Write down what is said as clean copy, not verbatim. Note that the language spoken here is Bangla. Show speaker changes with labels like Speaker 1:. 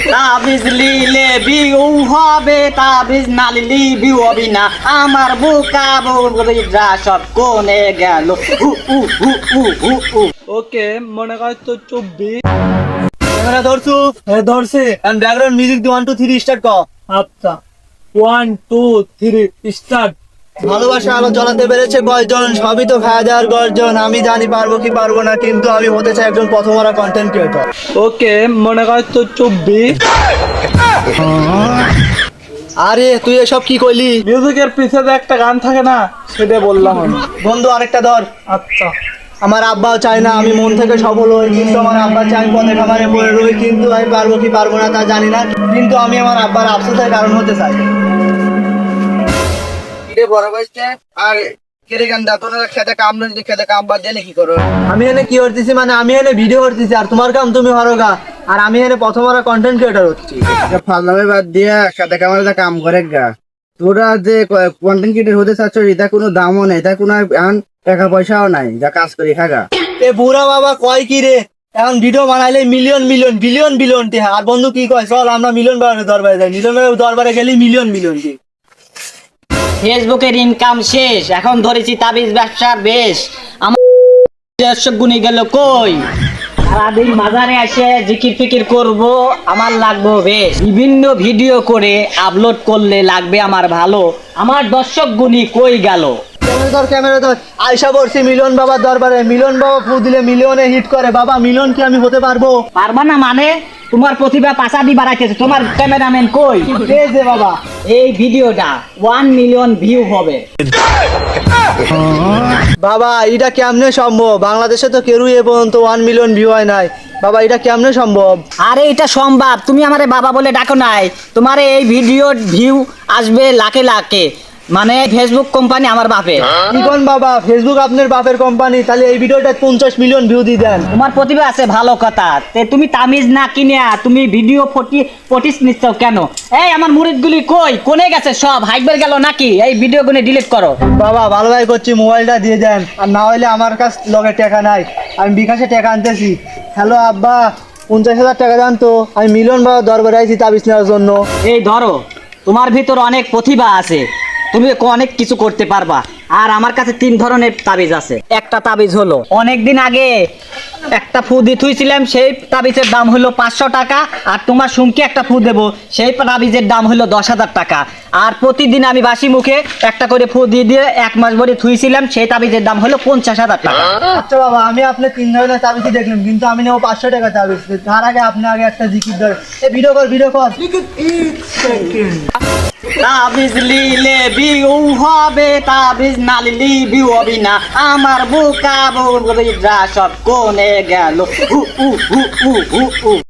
Speaker 1: তাবিজ লিলে বিউ হবে, তাবিজ না লিলি বিউ হবে না। আমার বুকা বুড়িরা সব কোনে গেল।
Speaker 2: ওকে, মনে কর তো 24। ক্যামেরা ধরছু? হ্যাঁ ধরছি।
Speaker 3: এন্ড ব্যাকগ্রাউন্ড মিউজিক দি 1 2 3 স্টার্ট কর।
Speaker 2: আচ্ছা, 1 2 3 স্টার্ট।
Speaker 3: ভালোবাসা আলো জ্বালাতে পেরেছে কয়জন? সবই তো খাওয়া দাওয়ার গর্জন। আমি জানি পারবো কি পারবো না, কিন্তু আমি হতে চাই একজন প্রথমরা কন্টেন্ট ক্রিয়েটর।
Speaker 2: ওকে, মনে কর তো 24।
Speaker 3: আরে তুই এসব কি কইলি?
Speaker 2: মিউজিকের পিছনে একটা গান থাকে না, সেটা বললাম আমি।
Speaker 3: বন্ধু আরেকটা ধর।
Speaker 2: আচ্ছা,
Speaker 3: আমার আব্বাও চায় না আমি মন থেকে সফল হই, কিন্তু আমার আব্বা চাই পথে খামারে পড়ে রই, কিন্তু আমি পারবো কি পারবো না তা জানি না, কিন্তু আমি আমার আব্বার আফসোসের কারণ হতে চাই। বড় ভাইস্তে আর কেরে গান দাও তোরা খেতে কাম না, খেতে কাম বাদ দিয়ে কি করো? আমি এনে কি করতেছি, মানে আমি এনে ভিডিও করতেছি আর তোমার কাম তুমি হরগা, আর আমি এনে প্রথমরা কন্টেন্ট ক্রিয়েটর হচ্ছি। ফালনামে বাদ দিয়া খেতে কামারে যা কাম করে গা। তোরা যে কন্টেন্ট ক্রিয়েটর হতে চাচ্ছ এটা কোনো দামও নেই, এটা কোনো টাকা পয়সাও নাই, যা কাজ করি খাগা। এ বুড়া বাবা কয় কি রে, এখন ভিডিও বানাইলে মিলিয়ন মিলিয়ন বিলিয়ন বিলিয়ন টি। আর বন্ধু কি কয়, চল আমরা মিলিয়ন দরবারে যাই। মিলিয়ন দরবারে গেলি মিলিয়ন মিলিয়ন টি।
Speaker 1: ফেসবুকের ইনকাম শেষ, এখন ধরেছি তাবিজ ব্যবসার বেশ। আমার দর্শক গুনি গেল কই? সারাদিন বাজারে এসে জিকির ফিকির করব, আমার লাগবে বেশ। বিভিন্ন ভিডিও করে আপলোড করলে লাগবে আমার ভালো। আমার দর্শক গুনি কই গেল?
Speaker 3: ক্যামেরা ধর। আয়সা বলছি মিলন বাবার দরবারে, মিলন বাবা ফু দিলে মিলিয়নে হিট করে। বাবা মিলন কি আমি হতে পারবো?
Speaker 1: পারবা না মানে? তোমার প্রতিভা পাশাদি বাড়াইতেছে। তোমার ক্যামেরাম্যান কই?
Speaker 3: এই যে বাবা,
Speaker 1: এই ভিডিওটা 1 মিলিয়ন ভিউ হবে।
Speaker 3: বাবা এটা কেমনে সম্ভব? বাংলাদেশে তো কেউই এ পর্যন্ত 1 মিলিয়ন ভিউ হয় নাই। বাবা এটা কেমনে সম্ভব?
Speaker 1: আরে এটা সম্ভব, তুমি আমারে বাবা বলে ডাকো নাই। তোমার এই ভিডিওর ভিউ আসবে লাখে লাখে। মানে ফেসবুক কোম্পানি আমার বাপে।
Speaker 3: কি কোন বাবা, ফেসবুক আপনার বাপের কোম্পানি? তাহলে এই ভিডিওটা 50 মিলিয়ন ভিউ দিয়ে দেন।
Speaker 1: তোমার প্রতিভা আছে ভালো কথা, তে তুমি তামিজ না কিনে তুমি ভিডিও পটিস নিচ্ছ কেন? এই আমার মুরিদগুলি কই? কোনে গেছে সব? হাইবার গেল নাকি? এই ভিডিওগুলো ডিলিট করো।
Speaker 3: বাবা ভালো ভাই করছি, মোবাইলটা দিয়ে দেন, আর না হলে আমার কাছে লগে টাকা নাই, আমি বিকাশে টাকা আনতেছি। হ্যালো আব্বা, 50,000 টাকা দেন তো, আমি মিলন বাবার দরবারে আইছি তাবিজ নেওয়ার জন্য।
Speaker 1: এই ধরো, তোমার ভিতর অনেক প্রতিভা আছে, তুমি অনেক কিছু করতে পারবা। আর আমার কাছে 3 ধরনের তাবিজ আছে। একটা তাবিজ হলো অনেকদিন আগে একটা ফু দিয়ে থুইছিলাম, সেই তাবিজের দাম হলো 500 টাকা। আর তোমার সুমকে একটা ফু দেবো, সেই তাবিজের দাম হলো 10,000 টাকা। আর প্রতিদিন আমি বাসি মুখে একটা করে ফু দিয়ে দিয়ে 1 মাস ভরে থুইছিলাম, সেই তাবিজের দাম হলো 50,000 টাকা।
Speaker 3: আচ্ছা বাবা, আমি আপনার 3 ধরনের তাবিজই দেখলাম, কিন্তু আমি নেবো 500 টাকা তাবিজ। তার আগে আপনি আগে একটা জিকির ধরে ভিডিও কর।
Speaker 1: তাবিজ লিলে বিউ হবে, তাবিজ না লিলি বিউ হবে না। আমার বুকা বুড়িরা সব কোনে গেল।